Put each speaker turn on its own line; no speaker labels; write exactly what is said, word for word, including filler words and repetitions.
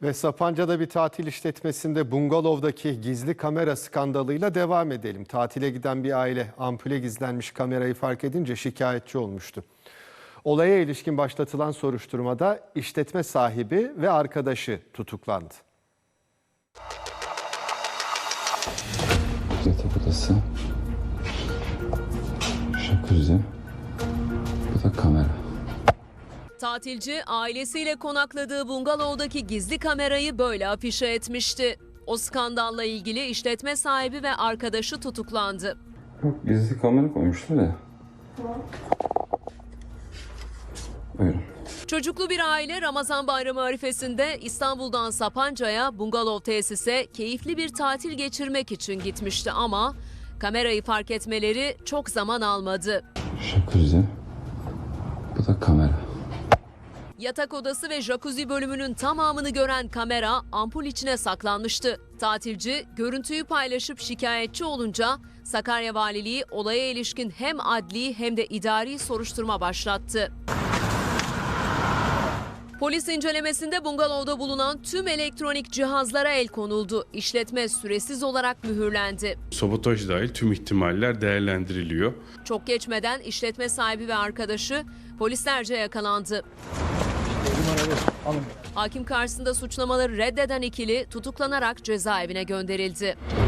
Ve Sapanca'da bir tatil işletmesinde bungalovdaki gizli kamera skandalıyla devam edelim. Tatile giden bir aile ampule gizlenmiş kamerayı fark edince şikayetçi olmuştu. Olaya ilişkin başlatılan soruşturmada işletme sahibi ve arkadaşı tutuklandı.
Yatak odası, jacuzzi, bu da kamera.
Tatilci ailesiyle konakladığı bungalovdaki gizli kamerayı böyle afişe etmişti. O skandalla ilgili işletme sahibi ve arkadaşı tutuklandı.
Yok, gizli kamera koymuşlar ya. Buyurun.
Çocuklu bir aile Ramazan bayramı arifesinde İstanbul'dan Sapanca'ya bungalov tesise keyifli bir tatil geçirmek için gitmişti ama kamerayı fark etmeleri çok zaman almadı.
Jacuzzi, bu da kamera.
Yatak odası ve jacuzzi bölümünün tamamını gören kamera ampul içine saklanmıştı. Tatilci görüntüyü paylaşıp şikayetçi olunca Sakarya Valiliği olaya ilişkin hem adli hem de idari soruşturma başlattı. Polis incelemesinde bungalovda bulunan tüm elektronik cihazlara el konuldu. İşletme süresiz olarak mühürlendi.
Sabotaj dahil tüm ihtimaller değerlendiriliyor.
Çok geçmeden işletme sahibi ve arkadaşı polislerce yakalandı. Hakim karşısında suçlamaları reddeden ikili tutuklanarak cezaevine gönderildi.